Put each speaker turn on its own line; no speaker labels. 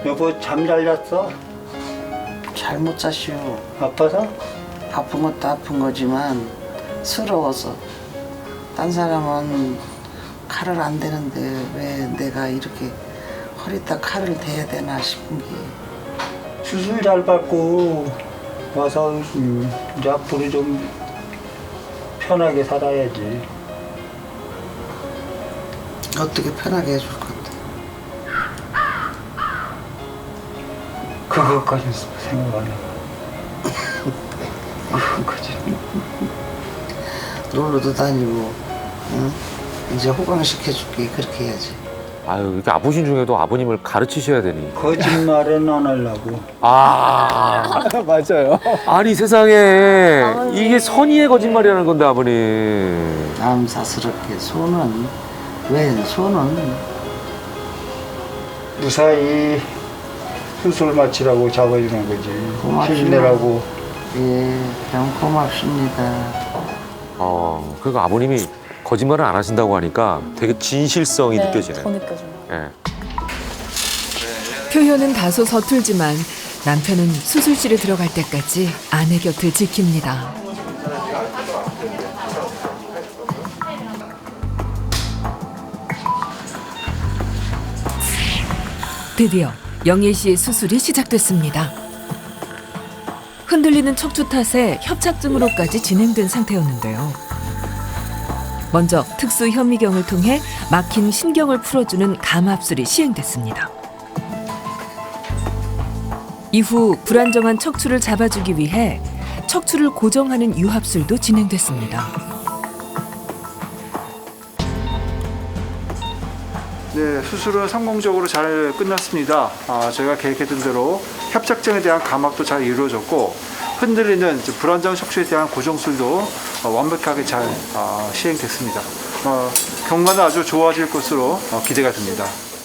여보 잠 잘 잤어?
잘 못 잤슈.
아파서?
아픈 것도 아픈 거지만 서러워서. 딴 사람은 칼을 안 대는데 왜 내가 이렇게 허리다 칼을 대야 되나 싶은 게.
수술 잘 받고 와서 이제 앞으로 좀 편하게 살아야지.
어떻게 편하게 해줄 건데.
그것까지 생각 안 해. 그거까지.
놀러도 다니고, 응? 이제 호강시켜줄게. 그렇게 해야지.
아유, 이렇게 아프신 중에도 아버님을 가르치셔야 되니.
거짓말은 안 하려고.
아,
맞아요.
아니 세상에 이게 선의의 거짓말이라는 건데 아버님.
남사스럽게 손은, 웬 손은
무사히 수술 마치라고 잡아주는 거지.
고맙습니다.
힘내라고.
예, 참 고맙습니다.
그러니까 아버님이 거짓말을 안 하신다고 하니까 되게 진실성이
네,
느껴지네요.
더 느껴져요.
예.
표현은 다소 서툴지만 남편은 수술실에 들어갈 때까지 아내 곁을 지킵니다. 드디어 영애 씨의 수술이 시작됐습니다. 흔들리는 척추 탓에 협착증으로까지 진행된 상태였는데요. 먼저 특수 현미경을 통해 막힌 신경을 풀어주는 감압술이 시행됐습니다. 이후 불안정한 척추를 잡아주기 위해 척추를 고정하는 유합술도 진행됐습니다.
네, 수술은 성공적으로 잘 끝났습니다. 저희가 계획했던 대로 협착증에 대한 감압도 잘 이루어졌고 흔들리는 불안정 척추에 대한 고정술도 완벽하게 잘 시행됐습니다. 경과는 아주 좋아질 것으로 기대가 됩니다.